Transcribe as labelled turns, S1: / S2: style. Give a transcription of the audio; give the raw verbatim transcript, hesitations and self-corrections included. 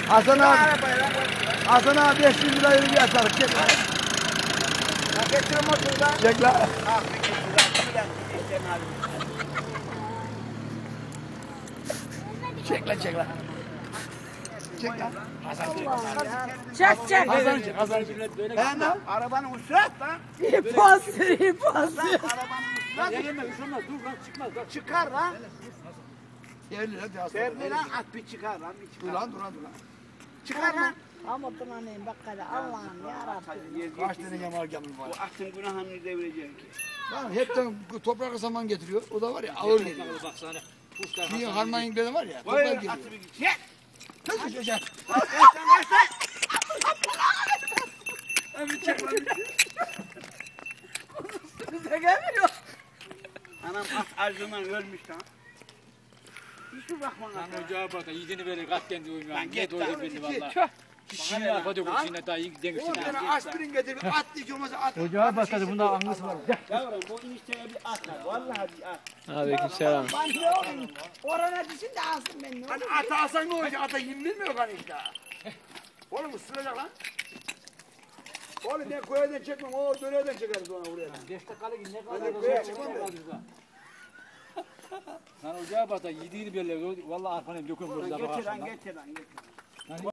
S1: Hasan abi, Hasan abi beş yüz lirayı bir atarız. Çek lan.
S2: Getir motoru da.
S1: Çek lan.
S2: Ah bir getir lan.
S1: Çek lan, çek lan. Çek lan. Hasan çek.
S3: Çek çek.
S1: Hasan çek, Hasan çek. Ben de
S2: Arabanın üstüne at lan.
S3: İpas, ipas.
S2: Arabanın üstüne at.
S4: Gelme, üşümez, dur lan çıkmaz. Bak.
S2: Çıkar lan.
S1: yerli hadi Hasan.
S2: Terli lan at bir çıkar lan. Bir
S1: Dur
S2: çıkar.
S1: lan, dur lan, dur lan.
S2: Çıkar lan.
S3: Ama bunanayım bak hele Allah'ım yarabbim.
S1: Kaç tane yamal gemim var.
S2: Bu atın günahını devirecek.
S1: Lan hepten toprak saman getiriyor. O da var ya ağır geliyor.
S4: Bak sana. Kuşlar
S1: Şimdi harman beni var ya.
S2: Koy
S1: Toprak geliyor.
S2: atı bir çek.
S1: Kız düşecek.
S2: Bir çek lan.
S3: Bize gelmiyor.
S2: Anam at acından ölmüş lan. Hiçbir bakma lan.
S4: Lan ocağa bak, yediğini verir, kalk kendi uymuyor.
S2: Lan
S4: Ne
S2: git
S4: doydu
S2: lan.
S4: belli valla.
S1: Tüh.
S4: Kişinin arkada koşuyla daha iyi demişsin.
S1: On tane aspirin getirip at diye olmazsa at.
S4: Ocağa başladı, bunda angısı var.
S2: Yavrum bu enişteye bir at lan. Vallahi bir at.
S4: Aleykümselam.
S3: Ben ne olayım? Orana düşün de alsın beni.
S1: Hani ata alsan ne olacak? Ata yem bilmiyor kan işte. Oğlum ısıracak lan. Oğlum ben koyadan çekmem. O döneyden çekeriz ona buraya.
S4: Beş dakikalık ne
S1: Ben
S4: kadar
S1: de
S4: da
S1: koya
S4: zor
S1: çıkmam
S4: çıkmaz burada. Lan ocağa bak da yediğini belli. Valla arkanı dökün burada.
S2: Getir
S4: bak
S2: lan
S4: akşamdan.
S2: getir lan getir.